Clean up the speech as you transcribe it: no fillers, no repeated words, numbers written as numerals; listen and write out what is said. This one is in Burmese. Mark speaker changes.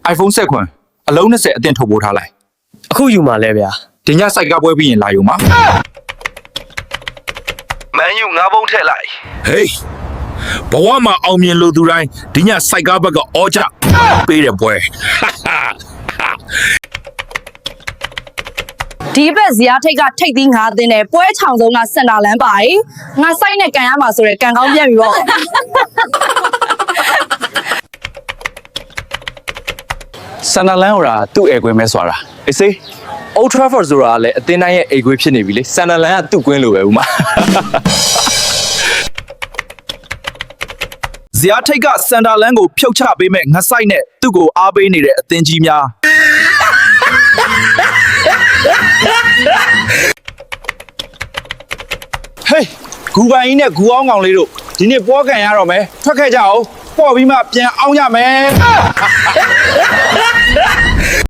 Speaker 1: iPhone 7ခွန်အလုံး20အသင့်ထုတ်ပိုးထားလိုက်
Speaker 2: အခုယူမှာလဲဗျာ
Speaker 1: ဒီညစိုက်ကပွဲပြီးရင်လာယူမှာ
Speaker 3: မန်ယူငါးဘုံထည့်လိုက်
Speaker 1: ဟေးဘဝမှာအောင်မြင်လို့သူတိုင်းဒီညစိုက်ကားဘက်ကအော်ကြပေးတယ်ပွဲ
Speaker 4: ဒီဘက်ဇီယာထိတ်ကထိတ်သီး9သင်းနဲ့ပွဲချောင်ဆုံးကစင်တာလန်းပါရီငါစိုက်နဲ့ကန်ရမှာဆိုရဲကန်ကောင်းပြန်ပြီပေါ့
Speaker 5: ဆန်နာလန်ဟိုတာသူ့အိမ်ကွင်းပဲစွာတာအေးစေး Old Trafford ဆိုတာလည်းအသင်းတိုင်းရဲ့အိမ်ကွင်းဖြစ်နေပြီလေဆန်နာလန်ကသူ့ကွင်းလိုပဲဦးမ
Speaker 1: ဇီယာထိတ်ကစန်တာလန်ကိုဖြုတ်ချပေးမဲ့ငစိုက်နဲ့သူ့ကိုအားပေးနေတဲ့အသင်းကြီးများဟေးဂူပိုင်ကြီးနဲ့ဂူအောင်ကောင်လေးတို့ဒီနေ့ပွဲကန်ရတော့မယ်ထွက်ခဲ့ကြအောင်ပေါ့ပြီးမှပြန်အောင်ရမယ်